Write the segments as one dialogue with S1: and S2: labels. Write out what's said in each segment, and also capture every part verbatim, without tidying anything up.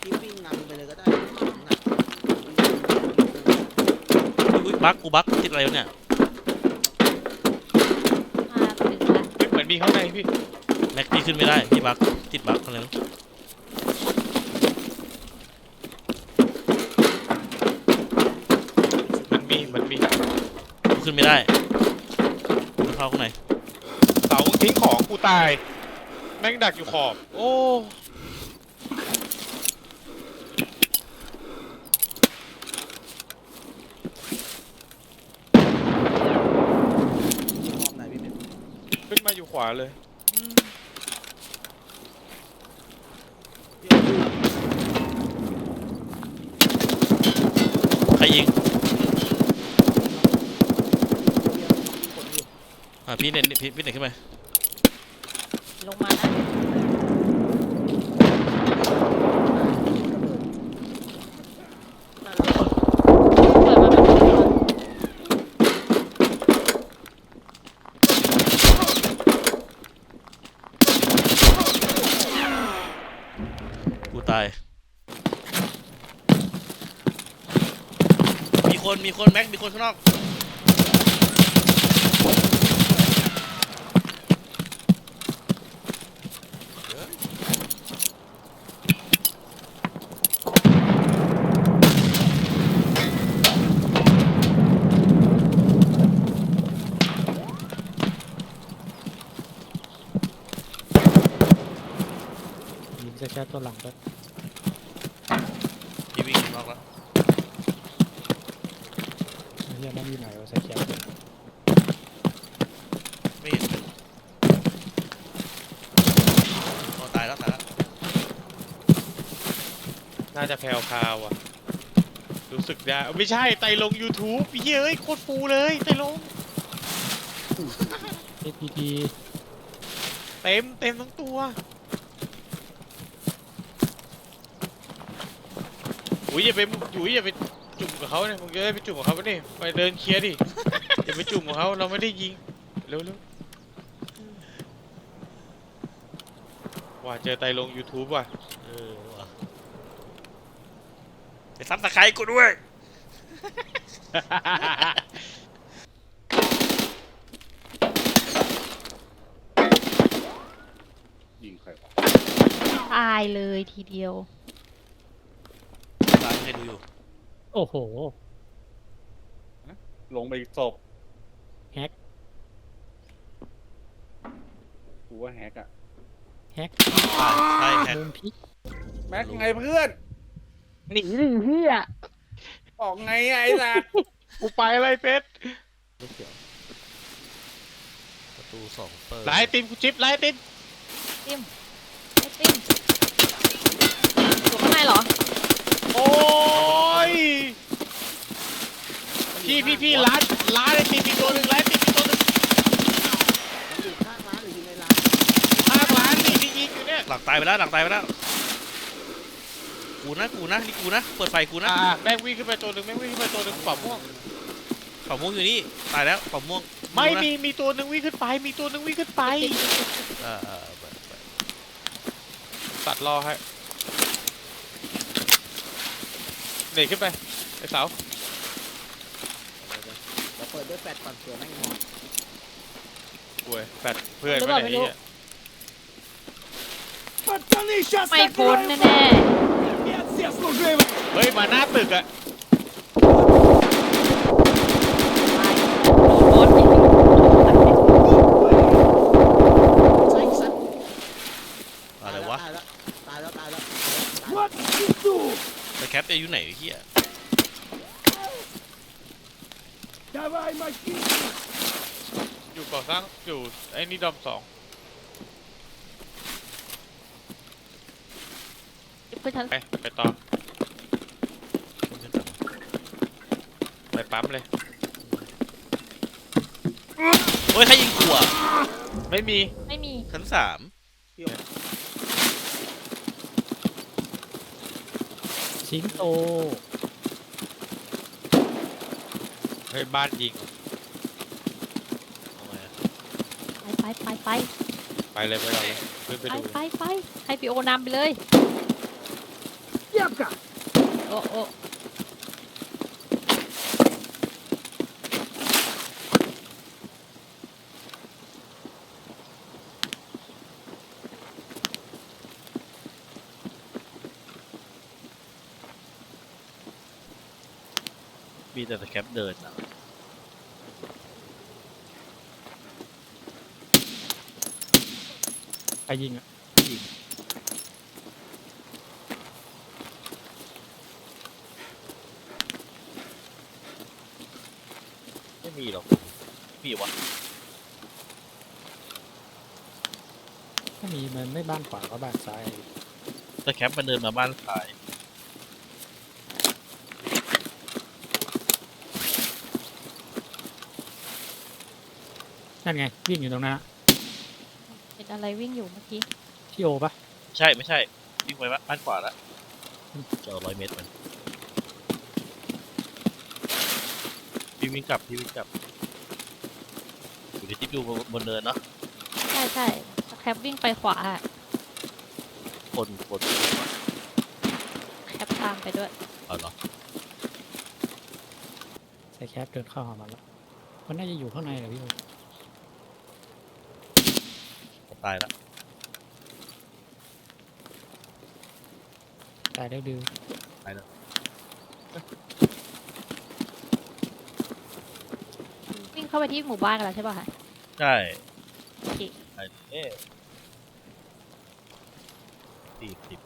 S1: พี่วิ่งนำไปเลยก็ได้หนัก
S2: อุ้ยบั๊กกูบั๊กติดอะไรวะเนี่ย
S3: มาถึงละ
S4: เหมือนมีข้างในพี่
S2: แม็กพี่ขึ้นไม่ได้พี่บั๊กติดบั๊กอะไรมั้ง
S4: มันมีมันมี
S2: กูขึ้นไม่ได้กูเข้าข้างใน
S4: เสาทิ้งของกูตายแม่งดักอยู่ขอบโอ้
S1: มอบไหนพี่เป็น
S4: ขึ้นมาอยู่ขวาเลย
S2: ใครยิงอ่ะพี่เน็ตพี่พี่เน็ตขึ้นไป
S3: ลงมานะเปิดมาเป็นตัว
S2: กูตายมีคนมีคนแม็กมีคนข้างนอก
S5: ยิงจะแค่ตัวหลังก็
S2: พี่วิ่งข้างนอกแล้ว
S5: เฮียมันอยู่ไหนวะใส่แคป
S2: ไม่เห็นอ๋อตายแล้วตายแล้ว
S4: น่าจะแพลวพาวอ่ะรู้สึกได้ไม่ใช่ไตลง YouTube พี่เอ้ยโคตรฟูเลยไตลง
S5: เอพีที
S4: เต็มเต็มทั้งตัวอุ้ยอย่าไปอยู่อย่าไปจุ่มกับเขาเนี่ยมึงจะได้ไปจุ่มกับเขาปะนี่ไปเดินเคลียร์ดิ อย่าไปจุ่มกับเขาเราไม่ได้ยิงเร็วเร็วว่าเจอไตลง YouTube ว่ะ
S2: เออว่ะไปซับสไครต์กูด้วย
S6: ยิงใครวะ
S3: ตายเลยทีเดียว
S2: ตายให้ดูอยู่
S5: โอ้โห
S6: ลงไปอีกศพ
S5: แฮก
S6: กูว่าแฮกอะ
S5: แฮก
S2: ตายใช่แฮก
S5: มุมพิก
S6: แม็กไงเพื่อน
S5: หนีดิเฮีย
S6: ออกไงไอ้สัตว์
S4: กูไปอะไรเพชร
S5: ลูกเขียว
S2: ประตูสองเปิด
S4: ไล่ติมกูจิ๊บไล่ติม
S3: ติมไอ้ติมอยู่ข้างในเหรอ
S4: โอ้ยพี่พี่พี่ร้านร้านไอติมอีกตัวหนึ่งร้านไอติมอีกตัวหนึ่ง
S1: มันอยู่ข้างร้านหรืออยู่ในร้าน
S4: ข้างร้านนี่ที่ยิงอยู่เนี่ย
S2: หลังตายไปแล้วหลังตายไปแล้วกูนะกูนะนี่กูนะเปิดไฟกูนะ
S4: อ่าแม่งวิ่งขึ้นไปตัวหนึ่งแม่งวิ่งขึ้นไปตัวหนึ่งปอบม่วง
S2: เป่าม่วงอยู่นี่ตายแล้วเป่าม่วง
S4: ไม่
S2: ดูนะ
S4: มีมีตัวหนึ่งวิ่งขึ้นไปมีตัวหนึ่งวิ่งขึ้นไป
S2: เออเออเปิดเปิด
S4: ตัดรอให้เด็กขึ้นไปไอ้เสา
S1: เดี๋ยวเปิดด้วยแฟลชก่อนเผื่อแม่งมอง
S4: ป่วยแฟดเพื่อนไม่ได้เนี่ย
S3: ไม่พ้นแน่
S4: เฮ้ยมาหน้าตึกอะ
S3: ๆตายโดนอีก
S1: ใช่สัตว์
S2: อะไรวะ
S1: ตายแล้วตายแล้วตายแล้ว
S2: ไปแคปจะอยู่ไหนไอ้เฮีย
S4: อยู่ก่อสร้างอยู่ไอ้นี่ดอมสอง
S3: เพื่อนฉัน
S4: ไปไปต่อ
S2: คนขึ้นต่ำ
S4: ไปปั๊มเลย
S2: โอ้ยใครยิงกูอ่ะ
S4: ไม่มี
S3: ไม่มี
S2: ชั้นสาม
S5: สิงโต
S4: เฮ้ยบ้านยิง
S2: เอาไงอะ
S3: ไปไปไป
S4: ไปเลยไปเลยขึ้นไป
S3: ไป
S4: ดู
S3: ไปไปให้พี่โอนำไปเลย
S5: ย่า
S3: โอ้โอ้
S2: มีแต่สแคปเดินอะ
S5: ใครยิงอ่ะ
S2: ไม่มีหรอกมีวะ
S5: ถ้ามีมันไม่บ้านขวาก็บ้านซ้าย
S2: สแคปมันเดินมาบ้านซ้าย
S5: นั่นไงวิ่งอยู่ตรงนั้นอะ
S3: เห็นอะไรวิ่งอยู่เมื่อกี้
S5: ที่โอปะ
S2: ใช่ไม่ใช่วิ่งไปบ้านขวาแล้วจะเอาร้อยเมตรมันพี่วิ่งกลับพี่วิ่งกลับอยู่ในทิปอยู่บนเนินเนาะ
S3: ใช่ใช่สแคปวิ่งไปขวาอะ
S2: คนคน
S3: แคปตามไปด้วย
S2: เอาเหรอ
S5: ใส่แคปเดินเข้าหามันแล้วมันน่าจะอยู่ข้างในแหละพี่โอ
S2: ตายละ
S5: ตายแล้วดื้อ
S3: วิ่งเข้าไปที่หมู่บ้านกันแล้วใช่ป่ะคะ
S2: ใช่
S3: โอเค
S2: ไอ้เอ๊ะสี่สิบ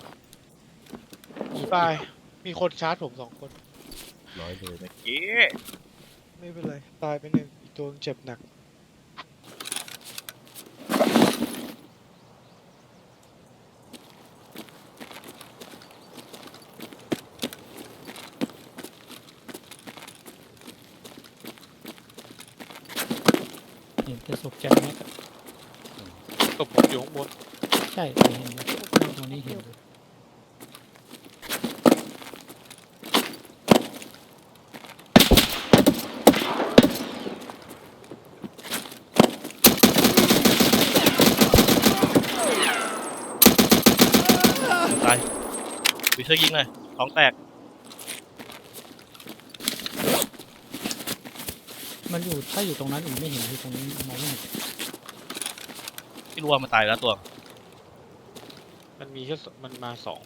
S4: ตาย มีคนชาร์จผมสองคน
S2: ร้อยเลยเมื่อกี้
S4: ไม่เป็นไร ตายไปหนึ่งอีกตัวเจ็บหนัก
S5: เห็นแต่ศพแจ็คแม็กอะ
S4: ตบผมอยู่ข้างบน
S5: ใช่เห็นนั่งตรงนี้เห็นอยู่
S2: ตายวิเชอร์ยิงเลยท้องแตก
S5: มันอยู่ถ้าอยู่ตรงนั้นอีกไม่เห็นอยู่ตรงนี้มองไม่เห็น
S2: ที่รู้ว่ามันตายแล้วตัว
S4: มันมีแค่สมันมาสอง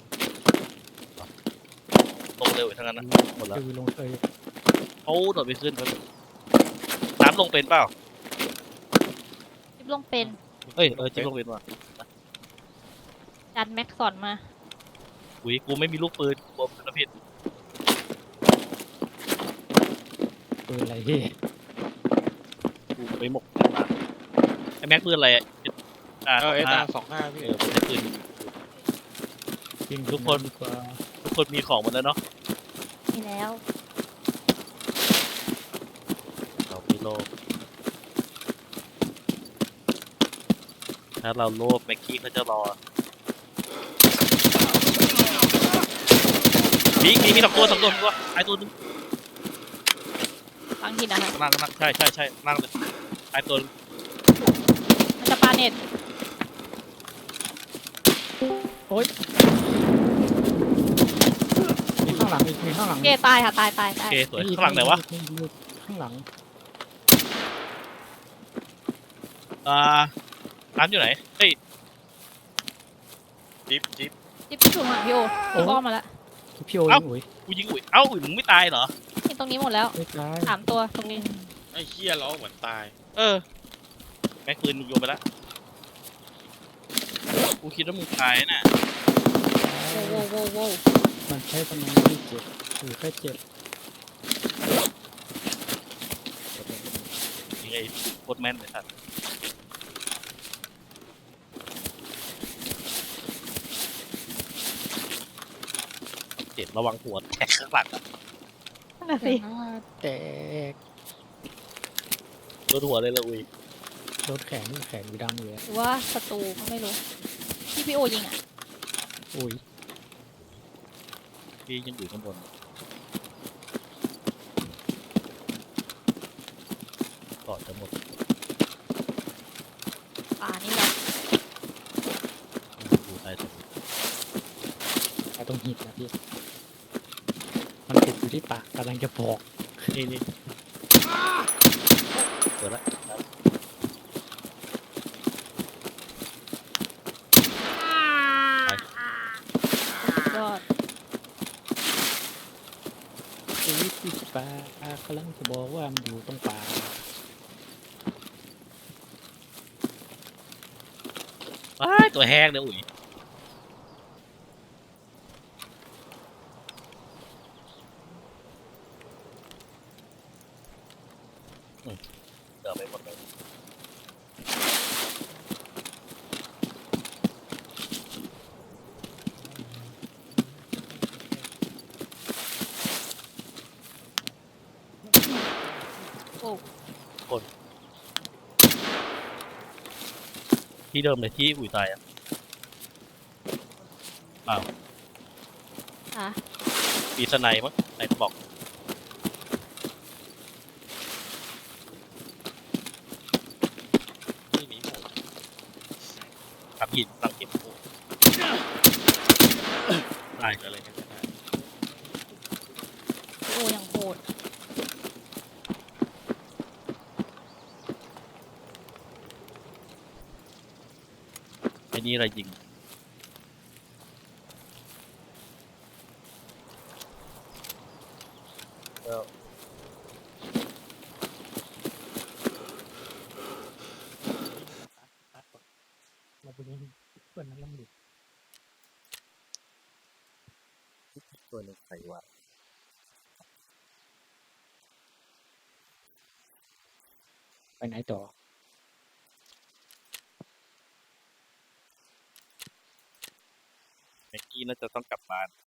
S2: ลงเร็วอีกทั้งนั้นนะหมดแล้ว
S5: คือลงเอย
S2: เขาโดดไปขึ้นมันน้ำลงเป็นเปล่า
S3: จิ๊บลงเป็น
S2: เอ้ยเออจิ้มลงเป็นว่ะ
S3: จันแม็กสอนมา
S2: อุ้ยกูไม่มีลูกปืนกลัวปืนผิด
S5: ปืนอะไรพี่
S2: กูไปหมกมาไอ้แม็กปืนอะไรอ่ะอ่า
S4: เออเอส
S2: ห้า
S4: อาร์สองห้าพี่
S2: เออไม่ใช่ปืน
S5: ยิง
S2: ทุกคน
S5: ดีกว่า
S2: ทุกคนมีของหมดแล้วเนาะ
S3: นี่แล้ว
S2: เราไม่โลภถ้าเราโลภแม็กกี้เขาจะรอมีมีมีสองตัวสองตัวสองตัวไอ้ตัวนึง
S3: ฟังทีนะคะ
S2: ข้างล่างข้างล่างใช่ใช่ใช่ข้างล่างเลยไอ้ตัวนึง
S3: มันจะปาเน็ต
S5: มีข้างหลังอีกมีข้างหลัง
S3: เกตายค่ะตายตาย
S2: โอ
S3: ตาย
S2: เคสวยข้างหลังไหนวะ
S5: มีมีข้างหลัง
S2: อ่าร้านอยู่ไหนเฮ้ย
S4: จิ๊บจิ๊บ
S3: จิ๊บถูกหางพี่โอจิ๊บอ้อมมาแล้ว
S5: พี่โอ
S2: เอ้า
S5: ยิงอุ๋ย
S2: กูยิงอุ้ยเอ้าอุ้ยมึงไม่ตายเหรอ
S3: นี่ตรงนี้หมดแล้ว
S5: ไม่ตาย
S3: สามตัวตรงนี้
S4: ไอ้เฮียล้อเหมือนตาย
S2: เออแม็กปืนมึงโยนไปแล้วกูคิดว่ามึงตายน่ะ
S3: โว้วโว้วโว้วโว้ว
S5: มันใช้ตำแหน่งที่เจ็บหรือแค่เจ็บ
S2: ยังไงโคตรแม่นเลยครับเจ็บระวังหัวแตกข้างหลังอะ
S3: นั่นน่ะสิ
S5: แตก
S2: โดนหัวเลยละอุ้ย
S5: โดนแขนแขนอยู่ดำอยู่เลย
S3: หรือว่าศัตรูก็ไม่รู้ ที่พี่โอยิงอ่ะ
S5: อุ้ย
S2: พี่ยังอยู่ข้างบนก่อนจะหมด
S3: ป่านี่แหละ
S2: อยู่ใต้ตรง
S5: ตายตรงหินนะพี่ มันติดอยู่ที่ปากกำลังจะบอก
S2: นี่นี่เปิดละ
S3: ยอด
S5: ชีวิตที่ปากกำลังจะบอกว่ามันอยู่ตรงปาก
S2: ว้ายตัวแห้งเนี่ยอุ้ยอืมเดี๋ยวไปหมดเลย
S3: โอ้
S2: ที่เดิมเลยที่อุ้ยตายอ่ะ
S3: อะ
S2: ปีสไนมั้งไหนบอกนี่หนีหมูทำหินตั้งหินหมูตายกันเลยกันได้
S3: โอ้ยังโหด
S2: ไอ้นี่อะไรยิงแล้ว
S5: เราไปเล่นเพื่อนนั้นแล้วมันหลุด
S2: ตัวหนึงใครวะ
S5: ไปไหนต่อ
S2: แม็กกี้น่าจะต้องกลับบ้าน